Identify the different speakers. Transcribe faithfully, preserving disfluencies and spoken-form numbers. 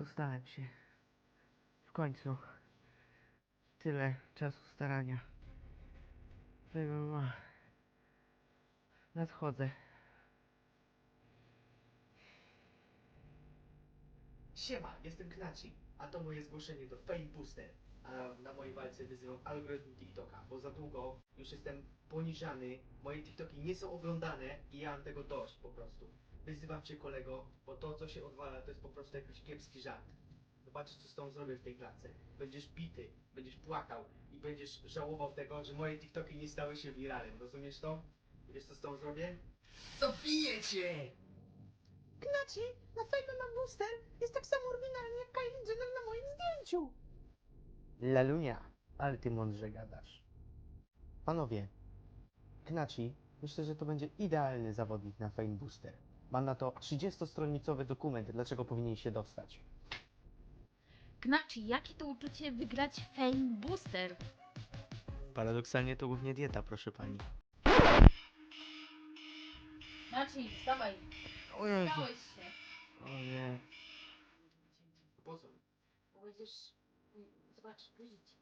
Speaker 1: Dostałem się. W końcu. Tyle czasu starania. Wym- Nadchodzę.
Speaker 2: Siema, jestem Knaci, a to moje zgłoszenie do Fame Booster. A na mojej walce wyzywam algorytm TikToka, bo za długo już jestem poniżany, moje TikToki nie są oglądane i ja mam tego dość po prostu. Wyzywam cię kolego, bo to co się odwala to jest po prostu jakiś kiepski żart. Zobaczysz co z tą zrobię w tej klatce. Będziesz bity, będziesz płakał i będziesz żałował tego, że moje TikToki nie stały się wiralem. Rozumiesz to? Wiesz co z tą zrobię? Zabiję cię!
Speaker 3: Knaci, na Fame ma booster jest tak samo oryginalny jak Kylie Jenner na moim zdjęciu.
Speaker 1: Lalunia, ale ty mądrze gadasz. Panowie, Knaci, myślę, że to będzie idealny zawodnik na Fame Booster. Ma na to trzydziestostronicowy dokument, dlaczego powinien się dostać.
Speaker 4: Knaci, jakie to uczucie wygrać Fame Booster?
Speaker 1: Paradoksalnie to głównie dieta, proszę pani.
Speaker 4: Knaci, wstawaj.
Speaker 1: O Jezu.
Speaker 4: Dałeś się.
Speaker 1: O nie.
Speaker 2: Po co?
Speaker 4: Bo będziesz... Zobacz, buzić.